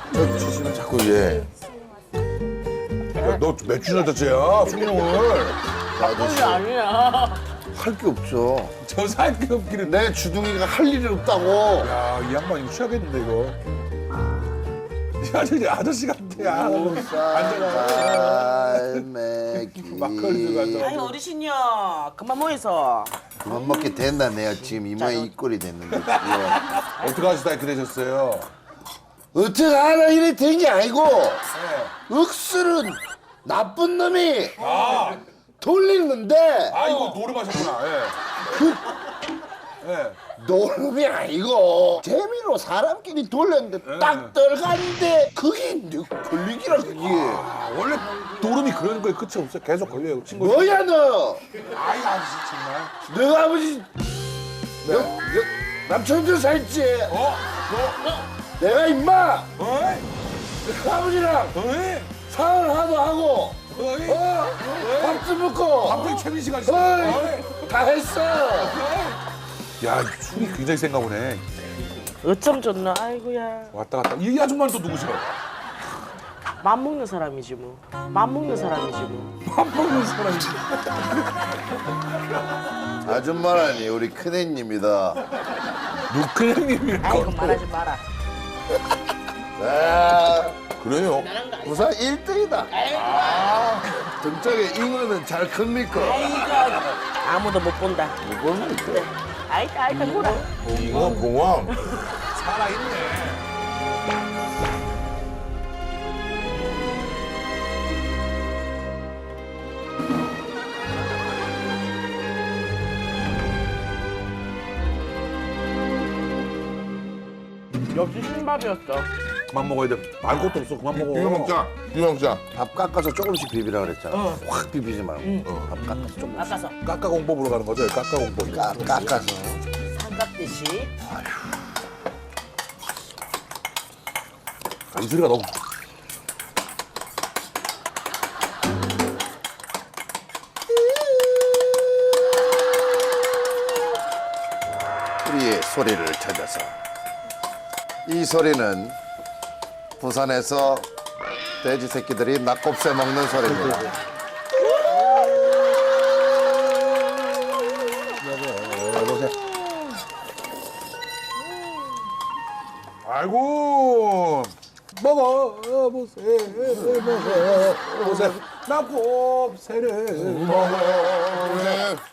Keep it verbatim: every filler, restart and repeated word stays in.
저 주시면 자꾸 얘. 야, 너 며칠 전자째야 숭늉을. 아저씨 아니야. 할 게 없죠. 저 살게 없기는. 내 주둥이가 할 일이 없다고. 야, 이 양반 이거 취하겠는데 이거. 야, 저 아저씨 같아. 야, 앉아라. 삶의 막걸리 들고 앉아. 아이 어르신이요. 그만 모여서. 그만 먹게 된다. 내가 지금 이마에 입꼬리 됐는데. 이거. 어떻게 하시다 이렇게 되셨어요? 어떻게 하나 이래 된 게 아니고 네. 억수로 나쁜 놈이 아, 돌리는데 아 이거 노름하셨구나. 예. 그 예. 노름이 아니고 재미로 사람끼리 돌렸는데 딱 들어갔는데 그게 늑 걸리기라 그게. 아, 원래 노름이 그런 거에 끝이 없어요. 계속 걸려요. 친구. 뭐야 너? 아이 아저씨 정말. 너 아버지 너, 너 남천도 살지? 어? 내가 임마 어이? 너 아버지랑 어이? 사을 하도 하고 어이? 어? 밥도 먹고 갑자기 최민 씨가 있어. 어이, 다 했어. 야, 술이 굉장히 센가 보네. 어쩜 좋나. 아이고야. 왔다 갔다. 이 아줌마는 또 누구시오? 맘 먹는 사람이지 뭐. 맘 먹는 사람이지 뭐. 밥 먹는 사람이지. 아줌마라니 우리 큰애입니다. 누크님이라고. 아이고 말하지 마라. 아, 그래요? 부산 일 등이다. 아, 등짝에 잉어는 잘 큽니까? 아이고 아무도 못 본다. 못 봅니까? 아이다 아이다 보라. 잉어 봉황. 살아있네. 역시 신밥이었어. 그만 먹어야 돼. 말 것도 없어. 그만 먹어. 이거 먹자. 이거 먹자. 밥 깎아서 조금씩 비비라 그랬잖아. 확 비비지 말고. 밥 깎아서 조금씩. 깎아서 까까 공보 보러 가는 거죠? 까까 공보. 까, 깎아서. 삼각듯이. 이 소리가 너무. 우리의 소리를 찾아서. 이 소리는 부산에서 돼지 새끼들이 낙곱새 먹는 소리입니다. 아이고. 먹어 보세요. 먹어 보세요. 낙곱새를 먹어.